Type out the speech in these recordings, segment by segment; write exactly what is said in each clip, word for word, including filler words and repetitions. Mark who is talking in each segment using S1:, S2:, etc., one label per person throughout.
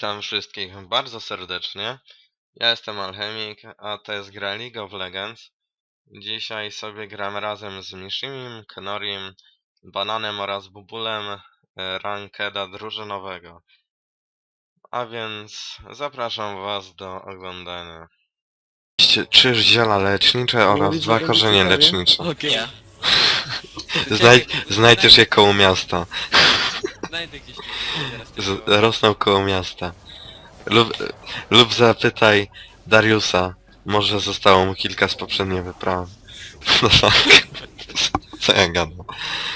S1: Witam wszystkich bardzo serdecznie. Ja jestem Alchemik, a to jest gra League of Legends. Dzisiaj sobie gram razem z Mishimim, Kenorim, Bananem oraz Bubulem e, rankeda drużynowego. A więc zapraszam was do oglądania. Trzy ziela lecznicze oraz
S2: mówisz, że
S1: dwa
S2: będzie
S1: korzenie
S2: ciekawie?
S1: lecznicze.
S3: Okej.
S1: Znaj znajdziesz je koło miasta.
S3: Znajdę gdzieś tu teraz.
S1: Z rosną koło miasta. Lub, lub zapytaj Dariusa. Może zostało mu kilka z poprzedniej wyprawy. No tak. Co ja gadam?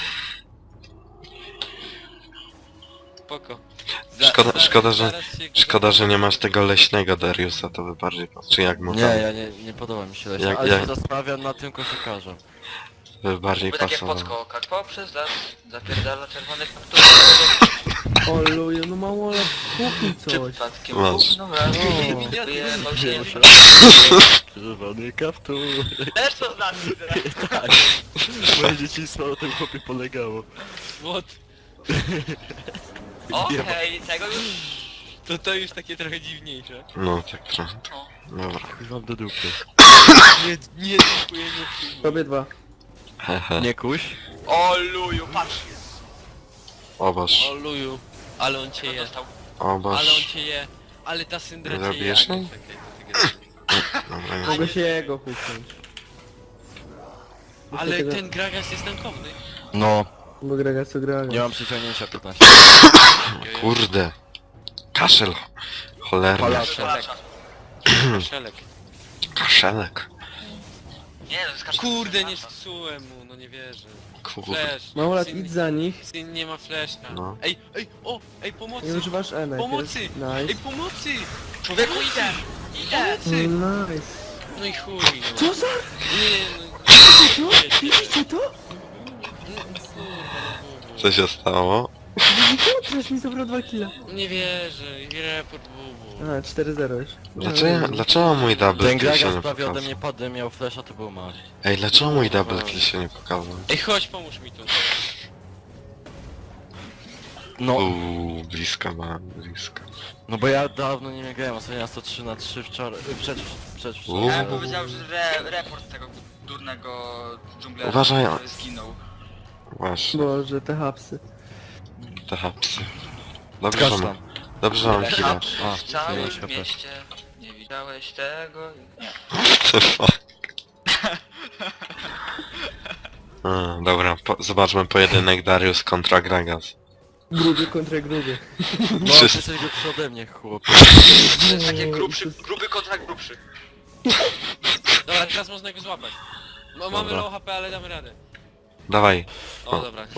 S3: Spoko.
S1: Szkoda, szkoda, że,
S3: zaraz się-
S1: szkoda, że nie masz tego leśnego Dariusa, to by bardziej pas- czy jak mu
S4: Nie,
S1: tam,
S4: ja nie, nie podoba mi się leśna,
S1: Jak-
S4: ale
S1: jak-
S4: się zastanawiam nad tym koszykarzem.
S1: by bardziej
S5: By takie
S1: pasował.
S5: podskokać poprzez las, zapierdala czerwony kaptur.
S2: O luju, no mało lat kupi coś.
S5: Przypadkiem
S1: Masz.
S5: gówno raz,
S3: O.
S5: wyjebał się.
S4: Czerwony kaptur.
S5: Też to znaczy teraz.
S4: Tak. Moje dzieciństwo na tym chłopie polegało.
S3: What?
S5: Okej, tego już...
S3: To to już takie trochę dziwniejsze.
S1: No tak trochę.
S5: No.
S1: Dobra.
S4: Mam do dupy.
S3: Nie, nie dziękuję, nie przyjmuję.
S2: Tobie dwa.
S1: Hehe.
S4: Nie kuś?
S5: O luju, patrz.
S1: Obaż.
S3: O luju, ale on cię
S5: Co
S3: je.
S5: dostał?
S3: Ale on
S1: Obaż.
S3: cię je. Ale ta syndra cię je.
S1: Zabijesz
S3: a nie,
S1: jej?
S3: czekaj, to ty gadasz.
S1: Dobra, nie.
S2: Mogę się jego huknąć.
S3: Ale
S2: Tego-
S3: ten Gragas jest tankowny.
S4: No.
S2: Bo gra co gra.
S4: Nie mam przyciągnięcia piętnaście.
S1: Kurde. Kaszel. Cholerny.
S4: Palacz.
S5: Palacza.
S3: Szelek.
S1: Kaszelek.
S5: Nie, to jest kaszka.
S3: Kurde, nie zepsułem mu, no nie wierzę.
S1: Kurde.
S3: Flash.
S2: Mało lat
S3: Syn-
S2: idź za nich.
S3: Syn nie ma flasha.
S1: No.
S3: Ej, ej, o, ej, pomocy!
S2: Nie używasz E najpierw.
S3: Pomocy! Ej,
S2: Nice.
S3: pomocy!
S5: Człowieku, idę. Idę.
S3: Pomocy!
S2: Nice.
S3: No i chuj, no.
S2: Co za...
S3: Nie, no.
S2: To? Widzicie to?
S3: No, kurwa, no,
S1: Co się stało?
S2: Teraz mi zabrał dwa killa.
S3: bubu. Nie wierzę, i report bubu.
S2: A, cztery zero już.
S1: Dlaczego, dlaczego mój double
S4: Ten
S1: kill się
S4: Gragas
S1: nie
S4: prawie ode
S1: pokazał?
S4: mnie padł, miał flasha, to był mały.
S1: Ej, dlaczego mój double kill się nie pokazał?
S3: Ej, chodź, pomóż mi tu.
S4: No,
S1: Uuu, blisko ma, blisko.
S4: no bo ja dawno nie grałem, ostatnio na sto trzy na trzy wczoraj, przed, przed
S1: Uuu.
S5: Ja
S4: wczoraj.
S5: bym powiedział, że re, report tego durnego dżunglera,
S1: Uważaj.
S5: który zginął.
S1: Właśnie,
S2: Boże, te hapsy.
S1: te hapsy. Dobrze, że
S4: Skacz
S1: mam,
S4: tam.
S1: dobrze, że mam
S5: Ile
S1: chwilę.
S5: hap
S4: A,
S5: w całym
S4: dziewięć H P.
S5: mieście. Nie widziałeś tego? Nie.
S1: A, dobra, po, zobaczmy pojedynek Darius kontra Gragas.
S2: Gruby kontra gruby.
S4: No, ty
S1: Wszyscy-
S4: jesteś lepszy ode mnie, chłop.
S5: To jest takie grubszy, gruby kontrakt grubszy.
S3: Dobra, teraz można go złapać. No mamy
S1: Dobra.
S3: low H P, ale damy radę.
S1: Dawaj.
S3: O,
S1: O.
S3: dobra.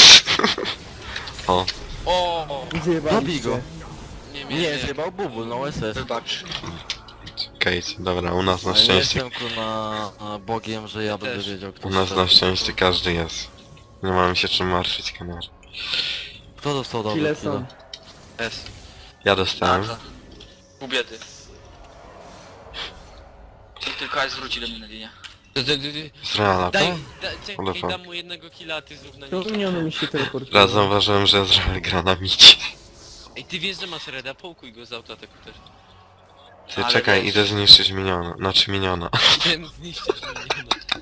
S1: O,
S3: O, o.
S4: Zabij
S2: Zjebaliście.
S4: go.
S3: Nie, nie,
S4: Nie,
S3: nie.
S4: zjebał bubul, no S S.
S5: Wybacz.
S1: Kate, dobra, u nas na
S4: Ale nie
S1: szczęście,
S4: jestem kurna na Bogiem, że ja będę
S3: Też.
S4: wiedział kto
S1: u nas
S4: strzela.
S1: na szczęście każdy jest. Nie mamy się czym martwić, kamer.
S4: Kto dostał dobry
S2: Kile
S4: killa?
S2: są.
S3: S.
S1: Ja dostałem.
S5: Dobrze. Pół biedy. I tylko aż zwróci do mnie na linię.
S3: D- d- d- d-
S1: Z Reala,
S3: Daj,
S1: tak?
S3: da, czekaj,
S1: Dobra.
S3: dam mu jednego killa, a ty zrób na
S2: To
S3: niego.
S2: mnie ono mi się teleportuje.
S1: Raz zauważyłem, że Ezreal gra na micie.
S3: Ej, ty wiesz, że masz reda, połkuj go z autoataku też.
S1: Ty
S5: Ale
S1: czekaj,
S5: wiesz-
S1: idę zniszczyć miniona, znaczy miniona.
S3: Ten zniszczysz mnie,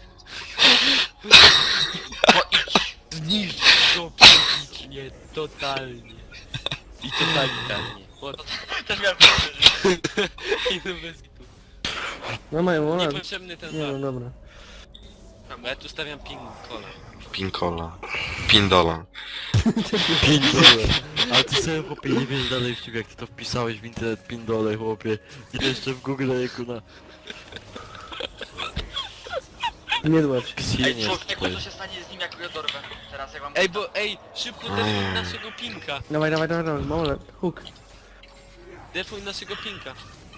S5: Bo idź.
S3: Zniszcz go psychicznie, totalnie. I totalitarnie. What?
S5: Też miałem powiedzieć.
S3: I no bez gitu.
S2: No mają lat.
S3: Niepotrzebny ten
S2: Nie no,
S3: żart.
S2: dobra.
S3: Bo ja tu stawiam ping cola.
S1: Pinkola. Pindola.
S4: Pindole. Ale ty sobie chłopie nie wiesz dalej w ciebie jak ty to wpisałeś w internet pindole chłopie. I to jeszcze w Google jako na...
S2: Nie dłacz.
S4: Ksinie
S5: Ej, człowieku,
S4: stoi.
S5: co się stanie z nim, jak go dorwę? Teraz jak mam...
S3: Ej, bo ej, szybko defuj naszego pinka.
S2: Dawaj, dawaj, dawaj, dawaj. Mało lat. Hook.
S3: Defuj naszego pinka.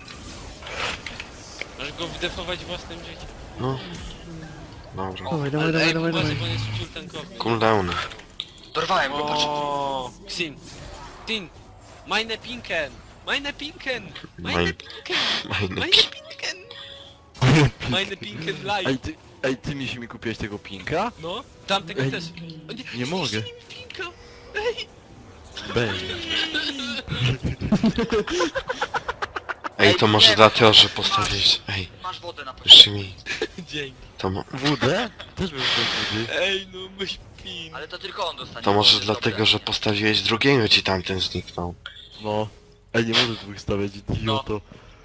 S3: Masz go wydefować własnym życiem.
S1: No. Dobra.
S2: Dawaj, dawaj,
S3: Ale
S2: dawaj,
S3: ej,
S2: dawaj,
S3: uważaj,
S2: dawaj.
S3: bo on jest full tankowy.
S1: Cooldowny.
S5: Dorwałem go, patrz.
S3: O, Xin. Xin. Meine Pinken. Meine Pinken. Meine
S1: Mein-
S3: Pinken.
S1: Meine
S3: Meine
S1: pi-
S3: Pinken. Meine Pinken live.
S4: Ej ty, ej ty mi się mi kupiłeś tego pinka?
S3: No, tamtego
S4: Ej,
S3: też. O,
S4: nie mogę.
S3: zniszczyli mi pinka. Ej.
S4: Bang.
S1: Ej, to
S5: Ej,
S1: może
S5: nie,
S1: dlatego, że
S5: masz-
S1: postawiłeś... Ej,
S5: Masz wodę na poziomie.
S1: jeszcze mi...
S3: Dzięki.
S1: To, mo...
S4: Wódę? Też bym chciał wody.
S3: Ej, no myś pin.
S5: Ale to tylko on dostanie.
S1: To może
S5: wody,
S1: dlatego,
S5: dobre.
S1: że postawiłeś drugiego, ci tamten zniknął.
S4: No. Ej, nie możesz dwóch stawiać, idioto.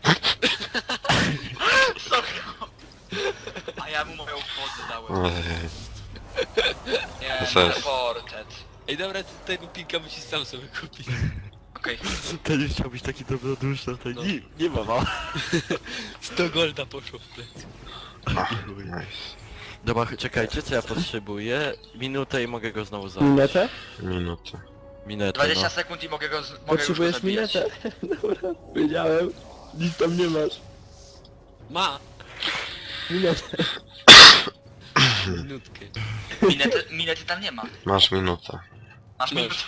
S5: Sorry. A ja mu moją wodę dałem.
S1: Ej,
S5: Nie,
S1: To jest-
S5: reported.
S3: Ej, dobra, ty tego pinka musisz sam sobie kupić.
S5: Okej.
S4: Ten już chciał być taki dobroduszny, to
S3: No.
S4: nie, nie ma ma.
S3: sto golda poszło w plecy.
S1: ach, nice.
S4: Dobra, czekajcie, co ja potrzebuję? Minutę i mogę go znowu zabić.
S2: Minetę?
S1: Minutę.
S4: Minetę,
S5: dwadzieścia
S4: no.
S5: sekund i mogę go z... mogę już go
S2: Potrzebujesz
S5: zabijać.
S2: minetę? Dobra, wiedziałem. Nic tam nie masz.
S3: Ma!
S2: Minetę.
S3: Minutkę.
S5: Minety, minety tam nie ma.
S1: Masz minutę.
S5: Masz
S3: Masz.
S5: minutę.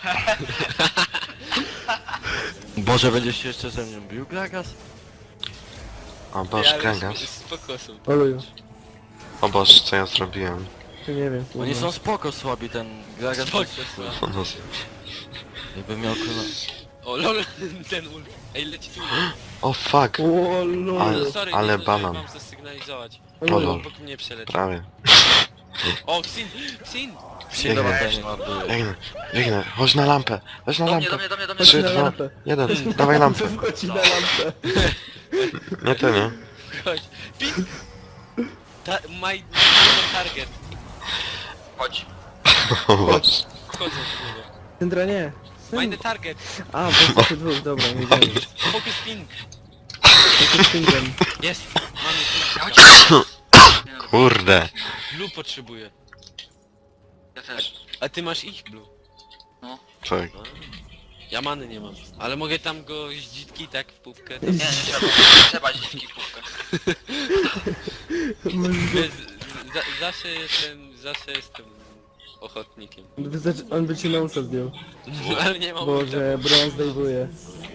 S4: Boże, będziesz się jeszcze ze mną bił, Gragas?
S1: O boż,
S3: ale
S1: Gragas.
S3: z- Spoko są.
S2: Oluju.
S1: O boż, co ja zrobiłem?
S2: Tu nie wiem.
S4: Oni
S2: kurwa.
S4: są spoko słabi, ten Gragas
S3: Spoko
S4: jest...
S3: słabi.
S1: O, no,
S4: Jakby miał kurwa...
S3: O lol, ten ult. Ej, leci tu.
S1: o fuck!
S2: O lol.
S1: Ale-
S3: Sorry,
S1: ale
S3: nie zdążyłem
S1: banan.
S3: wam zasygnalizować.
S1: O,
S2: Oluju.
S1: lol.
S3: Obok mnie przeleci.
S1: Prawie.
S3: O, Xin! Xin!
S4: Xin, dobra,
S1: Biegnę.
S4: ten nie ma były.
S1: Biegnę, biegnę. Chodź na lampę. Chodź na
S5: Do mnie, do
S1: lampę.
S5: mnie, do mnie, do mnie.
S1: Trzy,
S2: na
S1: dwa,
S2: lampę.
S1: jeden. Dawaj lampę.
S2: Wchodzi na lampę.
S1: Nie ty, nie?
S3: Chodź. Pin! Ta, my, my target.
S5: Chodź.
S1: O boż.
S3: Wchodzę w niego.
S2: Syndra nie.
S3: Mine target.
S2: A, bo jesteście dwóch, dobra, nie wiem.
S3: Focus ping.
S2: Jakim Syndrem?
S3: Jest. Mamy ping.
S5: Chodź.
S1: Kurde.
S3: Blue potrzebuję.
S5: Ja też.
S3: A ty masz ich blue.
S1: Tak.
S3: Ja many nie mam. Ale mogę tam go zdzitki tak w pupkę.
S5: Nie, nie trzeba. Nie trzeba dziwki kółkę.
S3: Wiesz, za, zawsze jestem, zawsze jestem ochotnikiem.
S2: Wystarczy, on by ci na usta zdjął.
S3: Ale nie mam
S2: Boże, brąz zdejmuje.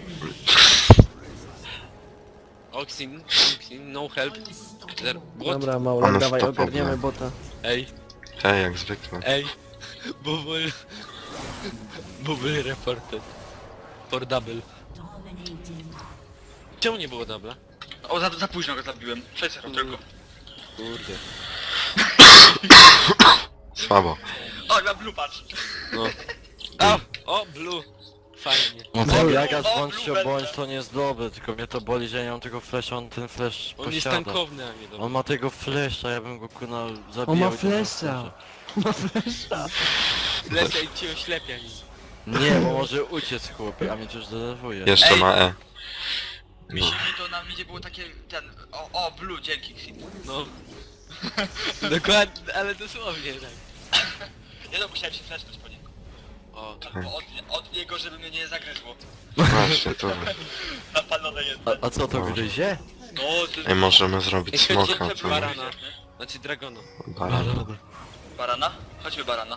S3: Oxin, Oxin, no help. Zero. Bot.
S2: Dobra, Maulek,
S1: Ale
S2: dawaj,
S1: stopowe.
S2: ogarniemy bota.
S3: Ej,
S1: Hej, jak zwykle.
S3: ej. Bubble. Bubble reported. For double. Czemu nie było double?
S5: O, za, za późno go zabiłem. sześć zero tylko.
S3: Kurde.
S1: Słabo.
S5: O, na blue patrz.
S3: No. O, o, blue. Fajnie.
S4: No
S2: Dobra.
S4: to Gragas
S5: O,
S4: bądź się
S5: Blue
S4: bądź
S5: Belt.
S4: to nie jest dobre, tylko mnie to boli, że ja nie mam tego flasha, on ten flash
S3: On jest
S4: posiada.
S3: tankowny, a nie dobry.
S4: On ma tego flasha, ja bym go kuna zabijał.
S2: On ma
S4: i to na
S2: flasha. Ma flesza.
S3: Lecę i cię oślepia nim.
S4: Nie, bo może uciec chłopie, a mnie to już denerwuje.
S1: Jeszcze
S5: Ej.
S1: ma E.
S5: Mi się to na midzie było takie ten... O, o, blue, dzięki Xin.
S3: No. Dokładnie, ale dosłownie tak.
S5: Nie no, musiałem się flashnąć po niego.
S3: O,
S5: Albo od, od niego, żeby mnie nie zagryzło.
S1: Właśnie, to.
S5: Napalone jest.
S4: A, a co to gryzie?
S5: No, to
S1: Ej, możemy zrobić
S3: Ej, chodźcie,
S1: smoka,
S3: chodźcie,
S1: co?
S3: barana. Znaczy dragona.
S1: Barana.
S5: barana? Chodźmy barana.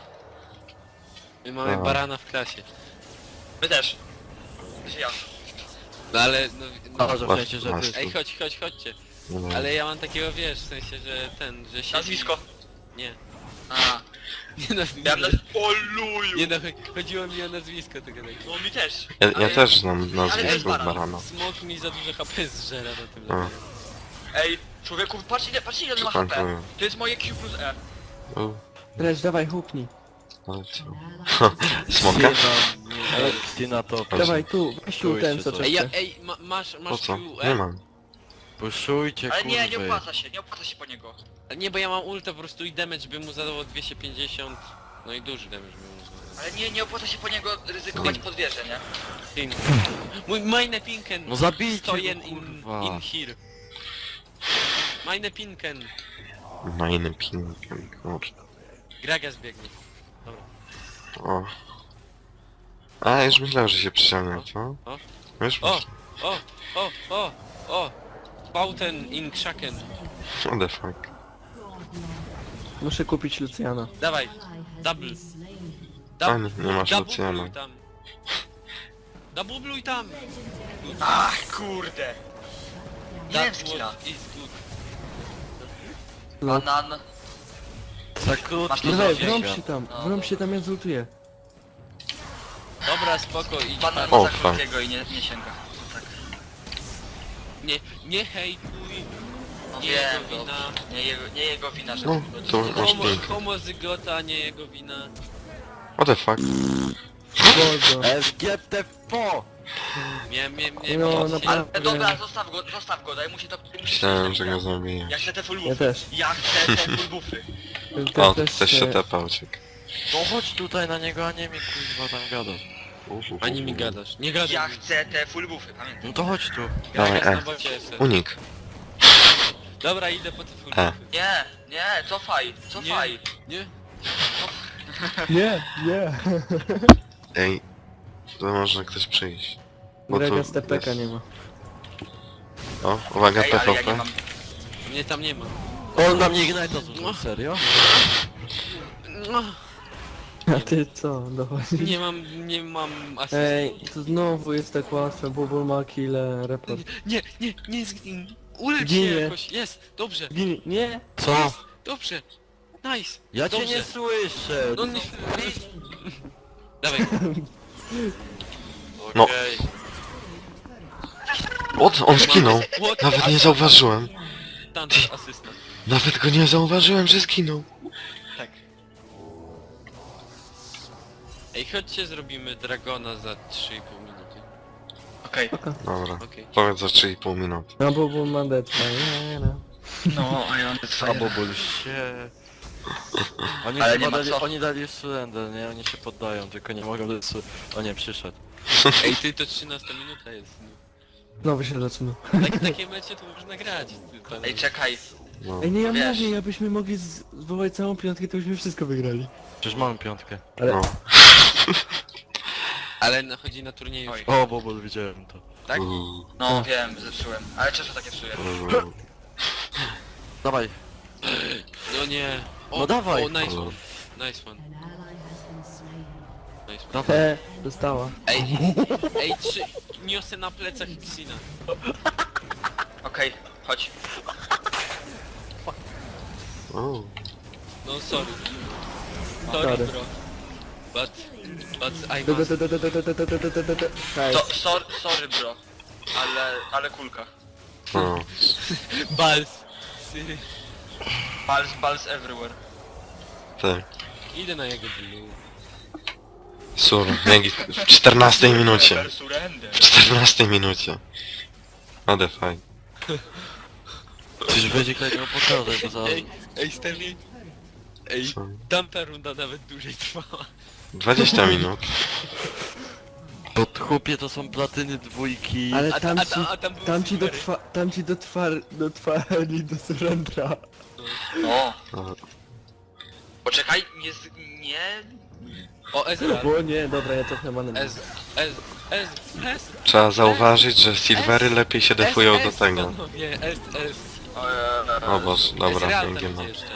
S3: My mamy
S1: A.
S3: barana w klasie.
S5: My też. Ja.
S3: No ale, no,
S4: A,
S3: no.
S4: że w
S1: Masz-
S4: sensie, że
S1: masz-
S4: ty...
S3: Ej, chodź, chodź, chodźcie.
S1: No.
S3: Ale ja mam takiego, wiesz, w sensie, że ten, że się...
S5: Nazwisko.
S3: Nie.
S5: A.
S3: Nie no,
S5: Ja
S3: nie,
S5: na... O luju!
S3: nie no, chodziło mi o nazwisko tego tak.
S5: No mi też.
S1: Ja, ja
S5: Ale-
S1: też znam
S5: Ale
S1: nazwisko
S5: jest baran.
S1: barana.
S3: Smok mi za dużo H P zżera na tym
S1: A.
S3: levelu.
S5: Ej, człowieku, patrz ile, patrz ile on ma H P.
S1: Spankuję.
S5: To jest moje Q plus E.
S1: U,
S2: Lecz, dawaj, huknij.
S1: ale co? Smoka?
S4: Ale ty na to...
S2: Dawaj, tu, weź tu ten, co
S4: Czujcie
S3: Ej, ja,
S2: czeka.
S3: ej, ma, masz,
S1: Po
S3: masz
S1: co?
S3: Q,
S1: Nie
S3: E?
S1: mam.
S4: Puszujcie,
S5: Ale nie, nie
S4: kurwy.
S5: opłaca się, nie opłaca się po niego.
S3: Nie, bo ja mam ulta po prostu i damage by mu zadało dwieście pięćdziesiąt. No i duży damage by mu zadało.
S5: Ale nie, nie opłaca się po niego ryzykować pod wieżę, nie?
S3: Pin. Mój meine Pinken.
S4: No zabijcie
S3: Stojen
S4: go,
S3: in,
S4: kurwa.
S3: in here. Meine Pinken.
S1: Majny pinkiem, kurczę.
S3: Gragas biegnie.
S1: O. A, już myślałem, że się przyciągnę, co?
S3: O.
S1: Wiesz,
S3: O, o, o, o, o. Bauten in Kraken.
S1: what the fuck.
S2: Muszę kupić Luciana.
S3: Dawaj, double.
S1: A,
S3: Dub,
S1: nie, nie masz
S3: double
S1: Luciana.
S3: bluj tam. Double bluj tam.
S5: Ach, kurde! Nie wiem
S3: That
S5: skilla.
S3: was is good.
S2: No.
S5: Banan.
S4: Za krótko.
S5: Masz to
S2: Dawaj,
S5: zrobić.
S2: wrąb się tam,
S5: No,
S2: wrąb
S5: no.
S2: się tam, ja zultuję.
S3: Dobra, spoko, idź
S5: Banan
S3: pan.
S1: O,
S5: ma za
S1: fuck.
S5: krótkiego i nie, nie sięga. Tak.
S3: Nie, nie hejtuj.
S5: No
S3: Nie
S5: wiem,
S3: jego wina.
S5: dobrze. Nie jego, nie jego wina, że...
S1: No, to masz
S3: Homo,
S1: ping.
S3: homozygota, nie jego wina.
S1: What the fuck?
S2: Boże.
S4: F G T P!
S3: Mie, mie, mie,
S2: No,
S3: mie,
S2: naprawdę.
S5: Ale dobra, zostaw go, zostaw go, daj mu się to... musi
S1: Myślałem, że
S5: się-
S1: go zabiję.
S5: Ja chcę te full
S2: Ja
S5: buffy.
S2: też.
S5: Ja chcę te full buffy.
S2: Ty
S1: O,
S2: też
S1: ktoś się tepa, uciekł.
S4: No chodź tutaj na niego, a nie mi kuźwa tam gadasz.
S3: Ani mi gadasz. Nie gadaj
S5: Ja
S3: mi.
S5: chcę te full buffy, pamiętaj.
S4: No to chodź tu.
S3: Ja
S1: Dawaj,
S3: jestem
S1: E.
S3: na bocie jestem.
S1: Unik.
S3: Dobra, idę po te full
S1: E.
S5: Nie, nie, cofaj, cofaj.
S3: Nie?
S2: Nie, nie.
S1: Ej, to może ktoś przyjść. Bo to
S2: Grega z T P K
S1: jest-
S2: nie ma.
S1: O, uwaga,
S5: Ej, ale ja nie
S1: P V P.
S5: mam...
S3: Mnie tam nie ma.
S4: On na mnie Ignite'a zużył, serio?
S3: No,
S2: A ty co? Dochodzi.
S3: nie mam, nie mam asysty.
S2: Ej, to znowu jest tak łatwe, Bubble ma kille, report.
S3: Nie, nie, nie zgin. Ulecz się
S2: Ginie.
S3: jakoś. Jest, dobrze,
S2: Ginie, nie?
S4: Co?
S3: dobrze. Nice.
S4: Ja cię
S3: Dobrze.
S4: nie słyszę!
S3: No nie... Dawaj.
S1: No.
S4: Okej.
S1: What? On zginął.
S3: What?
S1: Nawet nie zauważyłem.
S3: Thunder asysta.
S1: Nawet go nie zauważyłem, że zginął.
S3: Tak. Ej, chodźcie zrobimy Dragona za trzy i pół minuty.
S5: Okej.
S1: Dobra.
S3: Okej.
S1: Powiedz za trzy i pół minuty.
S2: No Bubble ma deadfire, nie, no.
S5: No, a ja mam te
S4: A
S5: twoje.
S4: bobol się. Oni
S5: Ale
S4: chyba
S5: nie ma
S4: dali,
S5: co.
S4: oni dali surrender, nie? Oni się poddają, tylko nie mogą dać su... O nie, przyszedł.
S3: Ej, ty to trzynasta minuta jest. No.
S2: Znowu się zaczyna.
S3: Tak, takie mecze to można grać. Ty, panie.
S5: Ej, czekaj.
S1: No.
S2: Ej, nie, ja
S5: Wiesz.
S2: mówię, jakbyśmy mogli z- zwołać całą piątkę, to byśmy wszystko wygrali.
S4: Przecież mamy piątkę.
S2: Ale
S1: No.
S3: Ale no, chodzi na turnieju.
S5: Oj.
S4: O, bobol, widziałem to.
S3: Tak?
S1: Uuu,
S5: No wiem, zepsułem. Ale często takie psuję.
S1: uuu.
S4: Dawaj.
S3: No nie. O,
S4: No dawaj.
S3: O, nice one. Nice one. Nice one.
S4: Dawaj.
S2: E, dostała.
S3: Ej, ej, trzy... Niosę na plecach Xina.
S5: Okej, chodź.
S1: O.
S3: No sorry. Sorry,
S2: Sorry.
S3: bro. But... But I
S2: Da, da,
S3: must...
S2: da, da, da, da, da, da, da, da, da, da.
S5: To,
S2: Nice.
S5: sor, sorry bro. Ale, ale kulka.
S1: O.
S3: Bals. Syry.
S5: Balls, balls everywhere.
S1: Tak.
S3: Idę na jego blue.
S1: Sur, Megi w czternastej minucie.
S5: Surrender.
S1: W czternastej minucie. What the fuck.
S4: Przecież będzie kolejnego pokazać, bo za...
S3: Ej, ej, Stanley. Ej,
S1: Co?
S3: tamta runda nawet dłużej trwała.
S1: dwadzieścia minut.
S4: Pod chłopie to są platyny dwójki.
S2: Ale
S3: A-
S2: tam
S3: a-
S2: ci,
S3: a tam były
S2: tam ci
S3: silvery.
S2: dotrwa, tam ci dotrwa, dotrwali do surrendera.
S5: O,
S1: O.
S5: poczekaj, nie, z- nie...
S3: O, Ezra.
S2: O nie, dobra, ja cofnę manę.
S3: Ez, Ez, Ez, Ez.
S1: Trzeba zauważyć, że silvery lepiej się defują do tego.
S3: Panowie, S, S.
S1: O Boże, dobra,
S3: Ezreal tam
S1: pięknie.
S3: idzie jeszcze.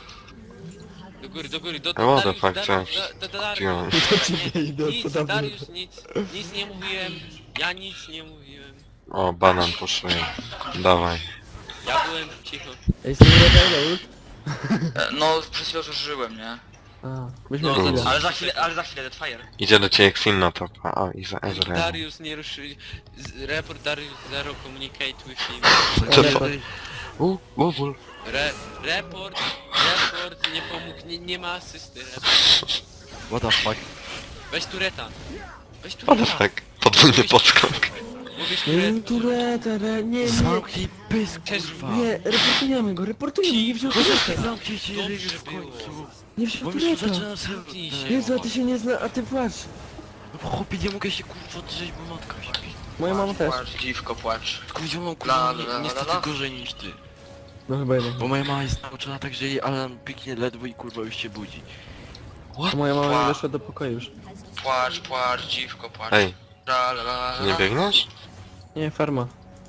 S3: Do góry, do góry, do,
S1: A
S3: do
S1: what the
S3: Darius,
S1: fuck,
S3: Darius,
S1: co ja
S3: da- da- Darius.
S1: wziąłem?
S2: To ci nie idę,
S3: Nic,
S2: to dawno.
S3: Darius, nic, nic nie mówiłem. Ja nic nie mówiłem.
S1: O, banan poszuje. Dawaj.
S3: Ja byłem cicho.
S2: Ej, z tym Red ult?
S5: E, No, przez chwilę już żyłem, nie?
S2: A, byśmy
S3: No,
S2: no,
S1: za-
S5: Ale za chwilę, ale za chwilę Deadfire.
S1: Idzie do ciebie Queen na topa. O, i za Ezreal.
S3: Darius nie ruszy... z- Report Darius zero communicate with him.
S1: Co
S2: Ale-
S1: to? U, Wówul.
S3: Re, report, report, nie pomógł, nie, nie ma asysty. Report.
S4: What the fuck?
S3: Weź tureta. Weź
S1: What the
S3: tureta.
S1: fuck? Podwójny podskok.
S3: Mówisz
S2: Nie,
S3: tureta.
S2: tureta, re, nie, nie.
S4: Zamknij pysk,
S3: Cześć,
S4: kurwa!
S2: Nie, reportujemy go, reportujemy, nie wziął tureta.
S4: Zamknij się
S3: Dobrze
S4: ryj w
S3: było.
S4: końcu!
S2: Nie
S4: Bo
S2: wziął
S4: już tu
S2: tureta.
S4: zaczyna
S3: Zamknij
S4: się...
S3: się.
S2: Jezu, a ty się nie zna, a ty płacz.
S4: No bo chłopie, nie mogę się kurwa drzeć, bo matka śpi.
S2: Moja mama też.
S5: Płacz, dziwko, płacz.
S4: Tylko widział mam
S5: La,
S4: kurwa
S5: la,
S4: ni-
S5: la,
S4: niestety
S5: la.
S4: gorzej niż ty.
S2: No chyba jednak.
S4: Bo moja mama jest nauczona tak, że jej alarm piknie ledwo i kurwa już się budzi.
S2: A moja mama
S5: Pła-
S2: nie weszła do pokoju już.
S5: Płacz, płacz, dziwko, płacz.
S1: Ej,
S5: La, la, la, la.
S1: nie biegniesz?
S2: Nie, farma.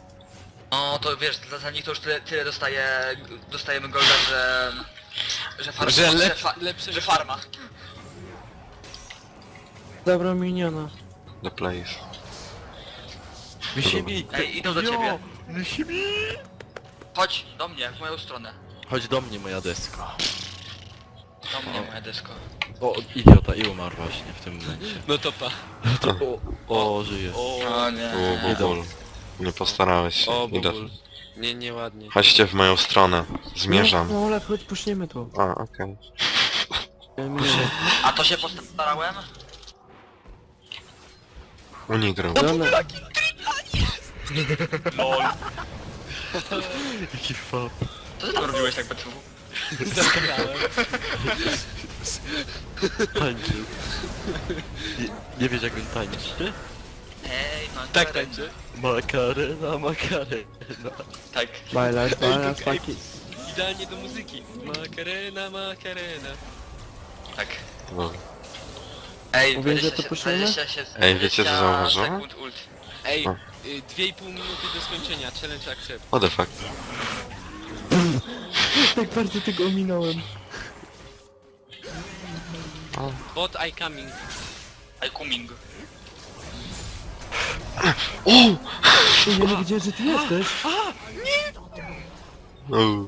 S5: No to wiesz, dla, dla nich to już tyle, tyle dostaje, dostajemy golda, że... Że farma.
S3: Że
S5: Że,
S3: lep,
S5: fa,
S3: lepsze
S5: że farma.
S2: Zabrał miniona.
S1: The place.
S4: Myśli
S5: Ej, idą do ciebie.
S4: Myśli
S5: Chodź do mnie, w moją stronę.
S4: Chodź do mnie, moja desko.
S5: Do mnie, moja desko.
S4: O, idiota, i umarł właśnie w tym momencie.
S3: No to pa.
S4: O, o, żyje.
S3: O,
S5: O nie.
S1: O, bubul. Nie postarałeś się.
S3: o
S1: Idę.
S3: bubul. Nie, nieładnie.
S1: Chodźcie w moją stronę. Zmierzam.
S2: No Olaf, chodź, puszniemy to.
S1: A, okej.
S5: A to się postarałem?
S1: Unigrał.
S2: Żona,
S5: LOL.
S4: Jaki fab.
S5: Co ty tam robiłeś tak Betru?
S3: Zagrałem.
S4: Tańczył. Nie, nie wiesz jak on tańczy?
S5: Ej, no
S3: Tak
S5: teraz-
S3: tańczy.
S4: Makarena, makarena.
S5: Tak.
S2: bailar, bailar, paki.
S3: Idealnie do muzyki. Makarena, makarena.
S5: Tak.
S1: No.
S5: Ej,
S2: Mówię, że to
S5: dwadzieścia
S2: puszczamy?
S5: dwadzieścia się-
S1: Ej, wiecie, co
S5: dwadzieścia
S1: zauważyłem?
S5: sekund ult.
S3: Ej,
S1: O.
S3: y, dwie i pół minuty do skończenia. Challenge accept.
S1: What the fuck?
S2: Tak bardzo tego ominąłem.
S3: Bot I coming.
S5: I coming.
S1: O!
S2: Ty, ja nie wiedziałem, że ty jesteś.
S1: No.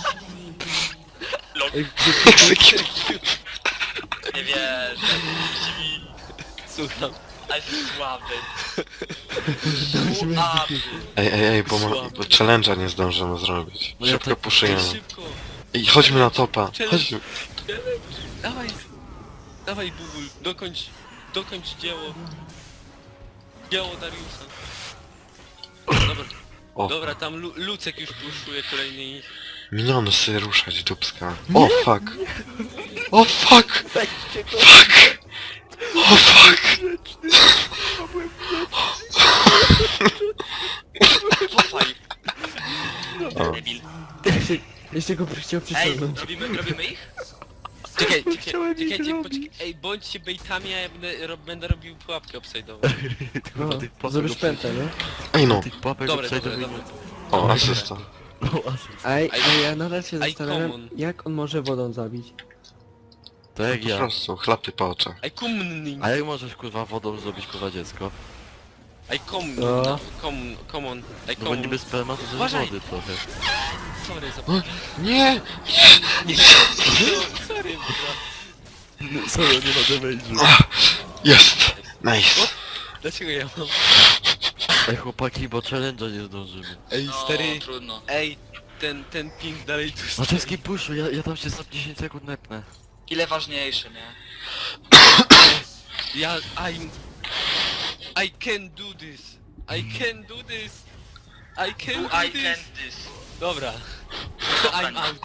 S2: Ej, gdzie ty
S5: Nie wierzę.
S3: Słucham.
S5: A jesteś słaby. Słaby.
S1: Ej, ej, ej, bo, ma, bo challenge'a nie zdążymy zrobić.
S4: No ja
S1: Szybko
S4: tak-
S3: Ej,
S1: puszujemy.
S3: szybko.
S1: Ej, chodźmy na topa.
S3: Challenge.
S1: Chodźmy.
S3: Dawaj. Dawaj bubul. Dokończ. Dokończ dzieło. Dzieło Dariusa. Dobra.
S1: O,
S3: Dobra, tam Lu Lucek już puszuje kolejny ich.
S1: miniony sobie ruszać, dupska. O, fuck. O, fuck. Fuck. O, fuck.
S5: Pofaj.
S1: O.
S5: Debil.
S2: Jeszcze go chciał
S5: Ej,
S2: przyciągnąć.
S5: robimy, robimy ich?
S3: Czekaj, czekaj,
S2: Chciałem ich
S3: czekajcie,
S2: robić.
S3: poczekaj. Ej, bądźcie baitami, a ja będę, ro będę robił pułapkę obside'ową.
S2: No,
S4: Tych papek
S2: zrobisz
S4: obsaj-
S2: pętę, nie?
S1: Ej, no.
S4: Tych papek
S3: Dobre, dobre,
S4: obsajdowych-
S3: dobre.
S1: O, asysta.
S4: No, asyst.
S2: Ej,
S3: I-
S2: ej, ja nadal się
S3: I
S2: zastanawiam,
S3: common.
S2: jak on może wodą zabić.
S4: To jak
S1: Po
S4: ja.
S1: prostu, chlapy po oczach.
S3: Ej, kumning.
S4: A jak możesz kurwa wodą zrobić kurwa dziecko?
S3: Ej, kom,
S2: No.
S3: no, kom, come on. Ej,
S4: No bo
S3: kom,
S4: niby sperma to też
S3: Uważaj.
S4: wody trochę.
S3: sorry za...
S1: Nie!
S3: Sorry, bro.
S4: Co, nie ma damage'u.
S1: Jest! Nice!
S3: Dlaczego ja mam?
S4: Ej chłopaki, bo challenge'a nie zdążymy.
S3: Ej,
S5: No,
S3: stary,
S5: trudno.
S3: ej, ten, ten ping dalej tu
S4: Na
S3: stoi.
S4: czeskim puszu, ja, ja tam się za dziesięć sekund nepnę.
S5: Ile ważniejsze, nie?
S3: Ja, I'm... I can do this. I can do this. I can
S5: Do
S3: do
S5: I
S3: this.
S5: can this.
S3: Dobra. I'm out.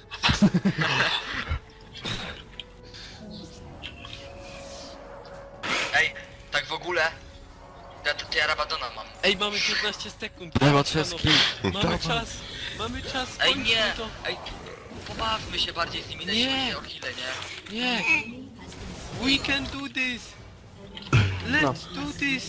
S5: Ej, tak w ogóle... Ja, to, to ja Rabadona mam.
S3: Ej, mamy piętnaście sekund.
S4: Daj
S3: Panowie,
S4: Matrzeski.
S3: Mamy
S4: Dawaj.
S3: czas. Mamy czas.
S5: Ej,
S3: kończmy
S5: nie!
S3: To.
S5: Ej, pobawmy się bardziej z nimi,
S3: Nie.
S5: nie o chwilę, nie?
S3: Nie. We can do this. Let's do this.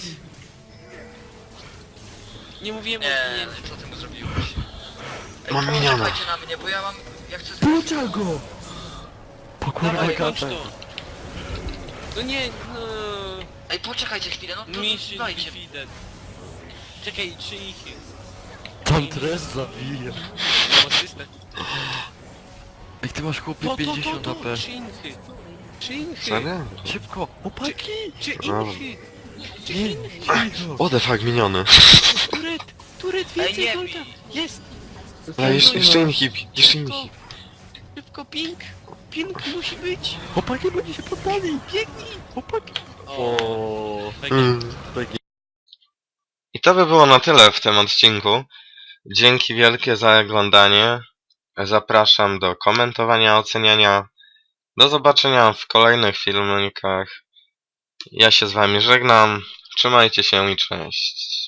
S3: Nie mówiłem o...
S5: Nie,
S3: Nie.
S5: co ty mu zrobiłeś? Ej,
S1: Mam miniona.
S5: poczekajcie na mnie, bo ja mam... Ja chcę...
S2: Puczal go!
S4: Po kurwa
S3: Dawaj, kończ
S4: katę.
S3: to. No nie, no...
S5: Ej, poczekajcie chwilę, no to
S3: Mission
S5: dajcie.
S3: defeated. Czekaj, czy ich jest?
S4: Tam tres zabije.
S3: Mam asystę.
S4: Ej ty masz chłopie
S3: To, to, to,
S4: pięćdziesiąt
S3: to,
S4: A P.
S3: czy inchy? Czy inchy?
S1: Serio?
S4: Szybko, chłopaki!
S3: Czy
S1: Dobra.
S3: inchy? Czy
S4: Nie,
S3: inchy?
S4: cicho.
S1: What the fuck, miniony.
S3: Turet, turet,
S5: Ej,
S3: więcej
S5: nie
S3: golda.
S5: bij.
S3: Jest,
S1: A, jeszcze, jeszcze inhib, jeszcze
S3: szybko.
S1: inhib.
S3: Szybko, ping. Ping musi być.
S4: Chłopaki, bo oni się poddali!
S3: Biegnij.
S4: Chłopaki!
S3: O,
S4: O,
S1: Mm.
S4: tak
S1: I to by było na tyle w tym odcinku. Dzięki wielkie za oglądanie. Zapraszam do komentowania, oceniania. Do zobaczenia w kolejnych filmikach. Ja się z wami żegnam. Trzymajcie się i cześć.